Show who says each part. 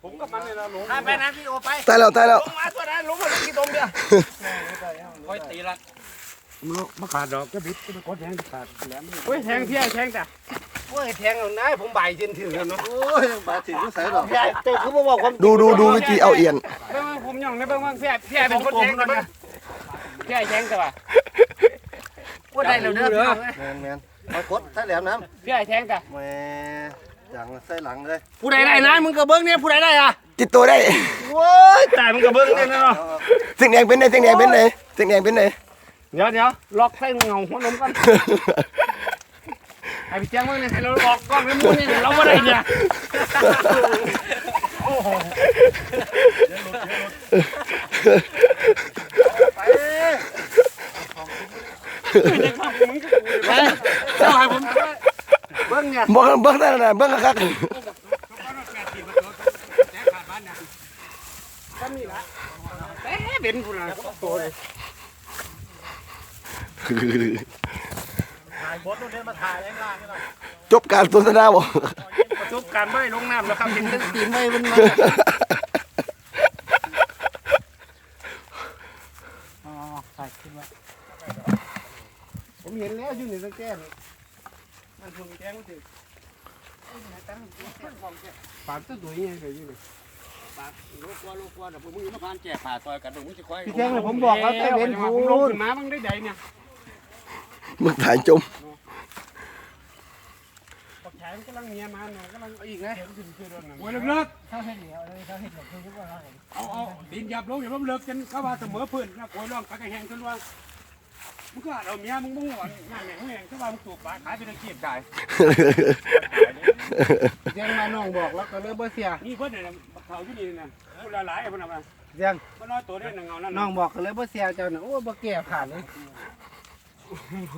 Speaker 1: ผมกับมันเนี่ยเราลง
Speaker 2: ไปนะพี่โอไป
Speaker 3: ตายแล้ว
Speaker 2: ลงมาตัวนั้นลงมาที่ตรงเดียวค่อยตีละ
Speaker 1: มาขาดดอกก็บิดก็ไปกดแทงขาดแหลม
Speaker 2: เฮ้ยแทงเพี้ยแทงจ้ะโอ้ยแทงเอาหน้าผมใบจนถึงแล้วเนาะ
Speaker 4: โอ้ยบาดถึงก็ใส่หรอก
Speaker 2: เจ้าคือบอกความ
Speaker 3: ดูวิธีเอาเอียน
Speaker 2: เบิ่งผมย่องได้เบิ่งว่าเพี้ยเป็นคนแทงกันนะเพี้ยแทงแต่ว่าว่าได้แล้วเด้อ
Speaker 4: แมนมากดใส่แหลมน้
Speaker 2: เพี้ยแทงจ้ะ
Speaker 4: ำแหมจังใส่หลังเลย
Speaker 2: ผู้ใดได้นะมึงก็เบิ่งเนี่ยผู้ใดได้อ่ะ
Speaker 3: ติดตัวได้
Speaker 2: โว้ยตายมึงก็เบิ่งเนี่ยเนาะ
Speaker 3: สิ่งแดงเป็นไหนสิ่งแดงเป็นไหนสิ่งแดงเป็นไหน
Speaker 2: เดี๋ยวล็อกใส่เงาหัวนมก่อนไอ้พี่แจ้งว่าเนี่ยให้เราล็อกกล้องแล้วมึงเนี่ยเราบ่ได้เนี่ยโอ้โหไปเจ้าให้ผมเบิ้งเนี่ย
Speaker 3: เบิ้งได้นะเบิ้งคัก
Speaker 2: ก็มีละแต่เด่นคุณนะโตเลย
Speaker 4: ถ่ายบดนู่นเนี่ยมาถ่ายแรงล่างนี่หน่อย
Speaker 3: จบการสนทนาบ่
Speaker 2: ประสบการณ์ไม่ลงน้ำแล้วครับเห็นตั้งตีไม่เป็นมาอ๋อใส่ขึ้นมาผมเห็นแล้วอยู่ในตะแกรงมันคงแกงมันถึงปากตัวใหญ่เลยอยู่นี่
Speaker 1: ลูกว่าเดี๋ยวมึงมาพานแจกผ่าซอยกันมึงจะค่อย
Speaker 2: พี่แจ้งเลยผมบอกว่าใต้เว้นคู
Speaker 1: ผมลง
Speaker 2: ณ
Speaker 1: ขึ้นมามึงได้ใดเนี่ย
Speaker 3: มึงถ่ายจม
Speaker 1: ปักแขนกำลังเมียมาหน่อยกำลังอีกนะโอ้ยเลิก
Speaker 2: เขาเห็นเหนียวเลยเขาเห็นแบบคือว่า
Speaker 1: เอาดินหยับลงอย่าล้มเลิกจนเข้ามาเสมอพื้นนะโอยร้องปากแห้งจนว่ามึงก็เอาเมียมึงมุ่งหวังงานแหน่งแหน่งเข้ามามึงถูกปลาขายเป็นอาชีพได้
Speaker 2: แจ้งมาน้องบอกแล้วก็เลยบ่เสีย
Speaker 1: นี่เพิ่นเนี่ยเขาที่นี่นะพูดหลายๆเพิ่นเอามา
Speaker 2: แจ้ง
Speaker 1: มันน้อยตัวได้หนึ่งเงานั่น
Speaker 2: น้องบอกก็เลยบ่เสียเจ้าน่ะโอ้บ่แก่ผ่านเลย